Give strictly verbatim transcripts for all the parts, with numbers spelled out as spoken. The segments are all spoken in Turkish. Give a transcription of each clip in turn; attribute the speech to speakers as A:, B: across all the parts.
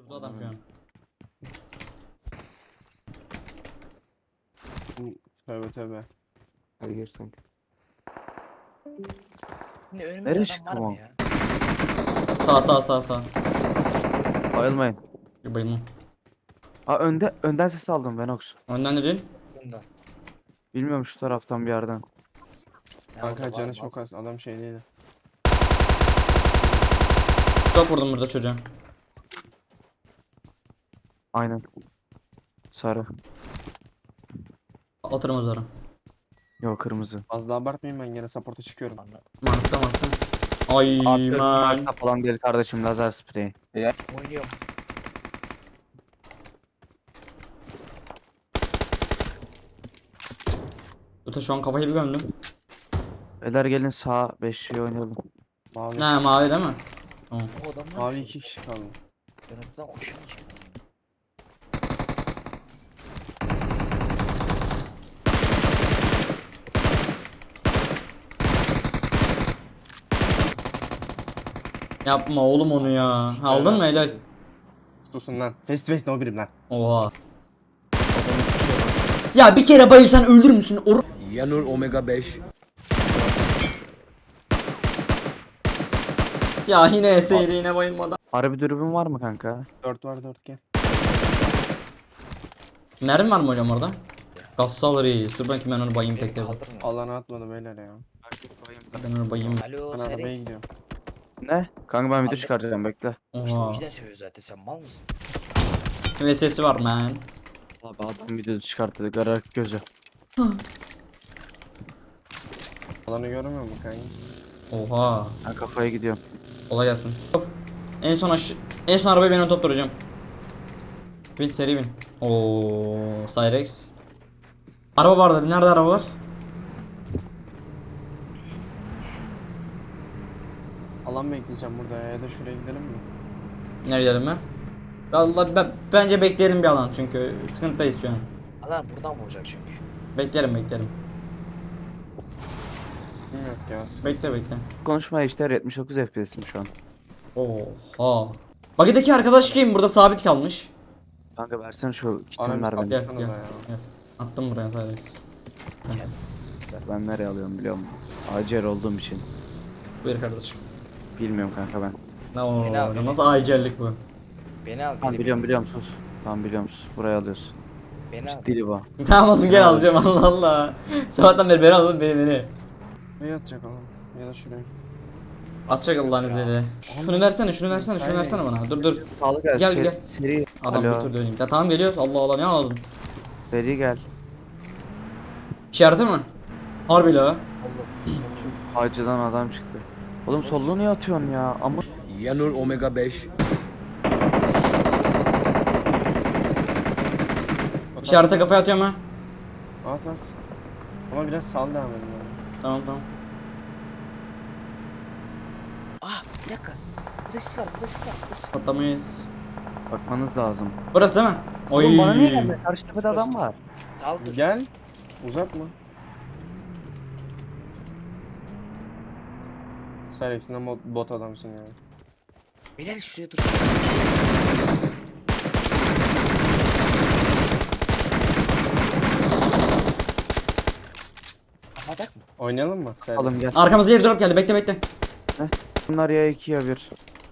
A: Durdu adam şu an.
B: Tövbe tövbe.
C: Hadi gir sen.
D: Ne önümüzde
C: Nereye
D: adam
C: çıktı
D: var
C: bu?
D: mı ya?
A: Sağ sağ sağ sağ.
C: Bayılmayın.
A: Bir bayılma.
C: Aa önde önden ses aldım Venox.
A: Önden dedin.
D: Bunda.
C: Bilmiyorum şu taraftan bir yerden.
D: Ya
B: Kanka
D: orada var
B: canı
D: mı?
B: çok az. Adam şeydeydi.
A: Çok vurdum burada çocuğa.
C: Aynen. Sarı.
A: Atırım o zaman.
C: Yok kırmızı.
B: Az daha abartmayayım, ben gene support'a çıkıyorum.
D: Anla-
A: Markta markta. Ay
C: Artık
A: man.
C: marka falan değil kardeşim, lazer spreyi.
D: Oynuyorum.
A: Öte şu an kafayı bir gömdüm.
C: Beyler gelin sağ beşliği oynayalım.
B: Mavi.
A: Ne mavi değil mi? Tamam.
D: O adamlar
B: Mavi
D: şu-
B: iki kişi kaldı.
D: Ben oradan koşuyorum şimdi.
A: Yapma oğlum onu ya. Aldın mı helal?
B: Susun lan. Face to face no birim lan.
A: Oha. Ya bir kere bayılsan öldür müsün? Or
E: Yanur Omega beş.
A: ya yine eseydi yine bayılmadan.
C: Harbi dürbün var mı kanka?
B: Dört var, dört gel.
A: Mermi var mı hocam orada? Gassal reis. Dur bakayım ben onu bayayım
D: Beni
A: tek tek.
D: kaldırın.
B: Alana atmadı beyler ya.
A: Ben onu bayayım.
D: Alo
B: Ben arabaya
D: Serex.
B: gidiyorum.
C: Ne? Kanka ben video
D: Abi-
C: çıkaracağım bekle.
D: İşte o
A: Oha.
D: yüzden söylüyor zaten, sen mal mısın?
A: Ve sesi var man.
C: Abi adam video çıkarttı garak gözü.
B: Alanı görmüyor musun kanka?
A: Oha.
C: Ben kafaya gidiyorum.
A: Kolay gelsin. Hop. En son aş en son arabayı ben ön top duracağım. Bin seri bin. Oo, Cyrex. Araba var dedi. Nerede araba var?
B: Alan bekleyeceğim burada ya, ya da şuraya gidelim mi?
A: Nereye gidelim ben? Vallahi ben, bence bekleyelim bir alan çünkü sıkıntıdayız şu an.
D: Adam buradan vuracak çünkü.
A: Beklerim beklerim.
B: Bilmiyorum ya. sıkıntı.
A: Bekle bekle.
C: Konuşma işte yetmiş dokuz F P S'im şu an.
A: Oha. Bagideki arkadaş kim? Burada sabit kalmış.
C: Kanka versene şu
B: Ana
C: kitini
B: bir
C: ver beni.
A: Gel
B: Baksana
A: gel.
B: da ya.
A: Gel. Attım buraya Cyrex.
C: Ben nereye alıyorum biliyor musun? Acer olduğum için.
A: Buyur kardeşim.
C: Bilmiyorum kanka ben.
A: Ne
D: Beni al,
A: o?
D: beni.
A: Nasıl acellik bu?
D: Beni al,
C: Tamam
D: beni,
C: biliyorum
D: beni,
C: biliyorum sus. Tamam biliyorum sus. Buraya alıyorsun.
D: beni al.
C: Dili bu.
A: Tamam oğlum gel alacağım Allah Allah. Sabahtan beri beni alın beni beni.
B: Buraya atacak alan. Ya da şuraya.
A: Atacak Allah'ın izniyle. Şunu versene, şunu versene, şunu versene bana. Dur dur.
C: Sağlı gel.
A: Gel,
C: seri,
A: gel.
C: Seri.
A: Adam
C: Alo.
A: götürdü önüm. Ya tamam geliyoruz. Allah Allah ne aldın?
C: Seri gel.
A: İşareti mi? Harbi la.
D: Sollu, sollu.
C: Hacıdan adam çıktı. Oğlum
D: Sol-
C: solluğu niye atıyorsun ya? Ama
E: Yanur Omega beş.
A: İşarete kafaya atıyorum ha.
B: At at. Ama biraz sal devam edin yani.
A: Tamam tamam.
D: Ah bir dakika. Burada sis var, burada sis var, burada sis var.
A: Patlamayız.
C: bakmanız lazım.
A: Burası değil mi? Oy.
C: Oğlum bana niye geldi? Karşı tepede adam
D: Dur.
C: var.
D: Sal dur.
B: Gel. Uzatma. Sen eksinden bot, bot adamsın ya.
D: Beyler şuraya dur. Kafadak mı?
B: Oynayalım mı? Sen.
C: Alın gel.
A: Arkamızda yer drop geldi. Bekle bekle.
C: Bunlar ya iki ya bir.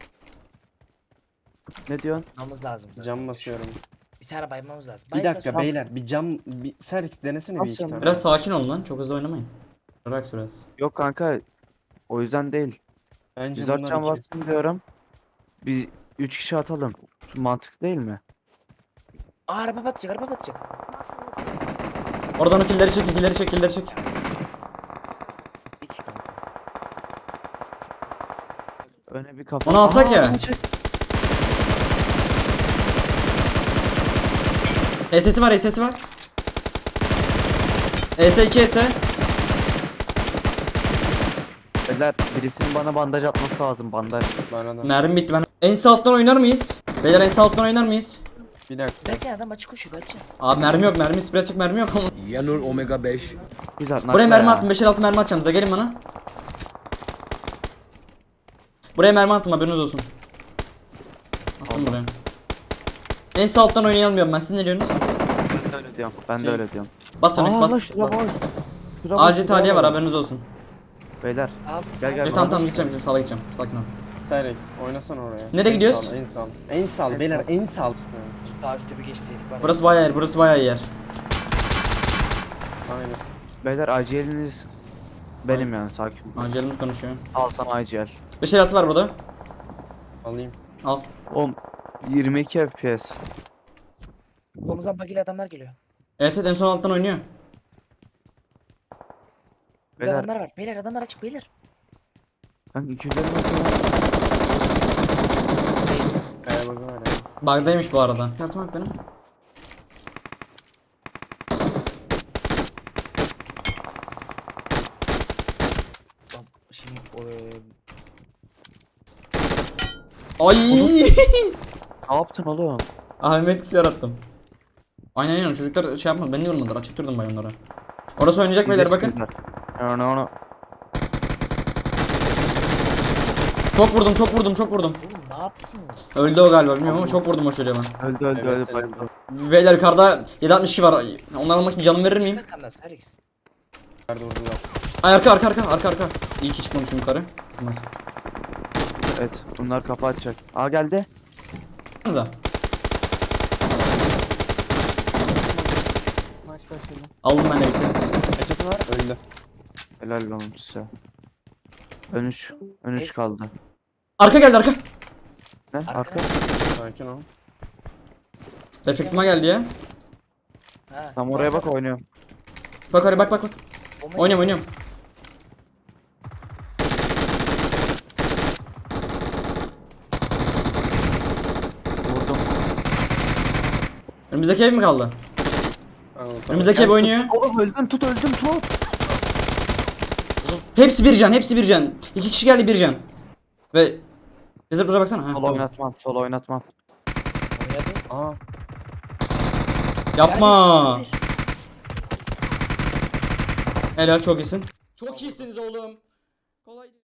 C: Ne diyorsun?
D: Yapmamız lazım. zaten.
B: Cam basıyorum.
D: Bir tane baymamız lazım.
B: Bir
D: Bayda
B: dakika
D: sonra-
B: beyler, bir cam, bir Serix denesene bir iki
C: Basıyorum.
B: tane.
A: Biraz sakin olun lan. Çok hızlı oynamayın. Relax biraz.
C: Yok kanka. O yüzden değil.
B: Bence
C: Biz
B: bunlar
C: atacağım
B: iki.
C: varsın diyorum. Biz üç kişi atalım. Şu mantık değil mi?
D: Aa araba batacak, araba batacak.
A: Oradan o killeri çek, killeri çek, killeri çek.
D: İki kanka.
C: Öne bir kafa.
A: Onu alsak
C: Aa,
A: ya.
C: adamı çek.
A: E S'si var, E S'si var. E S iki E S.
C: Beyler birisinin bana bandaj atması lazım, bandaj.
B: Bana da.
A: Mermi bitti ben. En sağ alttan oynar mıyız? Beyler en sağ alttan oynar mıyız?
B: Bir dakika.
D: Berkcan adam açık koşuyor Berkcan.
A: Abi mermi yok, mermi spray atacak mermi yok ama.
E: Yanur Omega beş.
C: Güzel.
A: Buraya
C: nakla
A: mermi
C: ya.
A: attım, beş altı mermi atacağım size, gelin bana. Buraya mermi attım, haberiniz olsun. Attım buraya. En sağ alttan oynayamıyorum ben. Siz ne diyorsunuz?
C: Ben de öyle diyorum. Ben de öyle diyorum.
A: Bas Onyx
C: Aa,
A: bas.
C: lan şuraya
A: bas.
C: bak. Şuraya bak,
A: Acil
C: şuraya
A: tahliye var
C: bak.
A: haberiniz olsun.
C: Beyler.
D: Altı
C: Gel,
D: sağ.
C: gel.
A: Evet
C: bana
A: tamam tamam
C: boş
A: gideceğim gideceğim sağla gideceğim. Sakin ol.
B: Cyrex oynasana oraya.
A: Nereye
B: En
A: gidiyoruz?
B: sağ, en sağ. En sağ beyler en sağ.
D: Şu daha üstte bir geçseydik var ya.
A: Burası bayağı yer burası bayağı iyi yer.
B: Aynen.
C: Beyler aciliniz benim yani sakin.
A: Acilimiz konuşuyor.
C: Al sana acil.
A: beş altı var burada.
B: Alayım.
A: Al.
C: Oğlum yirmi iki F P S.
D: Omuzdan bagili adamlar geliyor.
A: Evet evet en son alttan oynuyor.
D: Bir
C: Beyler
D: adamlar var. Beyler adamlar açık beyler.
C: kanka iki yüz elli metre var.
B: Kaya bakı var ya.
A: Bug'daymış bu arada. Kartım bak benim.
D: Tamam, şimdi o, e,
A: Ay.
C: Ne yaptın oğlum?
A: Ahmet etkisi yarattım. Aynen aynen çocuklar şey yapmadı. Beni yormadılar. Açık durdum ben onlara. Orası oynayacak beyler bakın.
C: Onu onu.
A: Çok vurdum çok vurdum çok vurdum.
D: oğlum ne yaptınız?
A: Öldü o galiba bilmiyorum ama çok vurdum o çocuğa ben.
C: Öldü öldü
B: Evet,
C: öldü.
B: senin-
C: bayıldı.
A: Beyler yukarıda yedi altmış iki var. Onları almak için canımı verir miyim?
D: Arkamdan Sarix.
B: Nerede vurdular?
A: Ay arka arka arka arka arka. İyi ki çıkmamışım yukarı. Tamam.
C: Evet bunlar kafa atacak. Aa geldi.
A: Baksanıza. Aldım ben de bitti.
B: Headshot'ı var öldü.
C: Helal olsun size. Ön üç. Ön üç
D: Evet.
C: kaldı.
A: Arka geldi arka.
C: Ne?
D: Arka.
C: Arka.
B: Sakin ol.
A: Refleksime geldi ya.
D: Ha.
C: Tam oraya bak oynuyorum.
A: Bak oraya bak bak bak.
D: Bomba
A: Oynuyorum,
D: çekti
A: oynuyorum.
D: Sarix.
C: Vurdum.
A: Önümüzdeki ev mi kaldı?
B: Anladım.
A: Önümüzdeki ev oynuyor.
C: Oğlum öldüm tut öldüm tut.
A: Hepsi bir can hepsi bir can. İki kişi geldi bir can. Ve bize buraya baksana. Ha,
C: Sol
A: tamam.
C: oynatmam sol oynatmam.
D: Oynadı.
B: Aa.
A: Yapma.
D: Neredesin?
A: Helal çok iyisin. Çok iyisiniz oğlum. Kolay değil.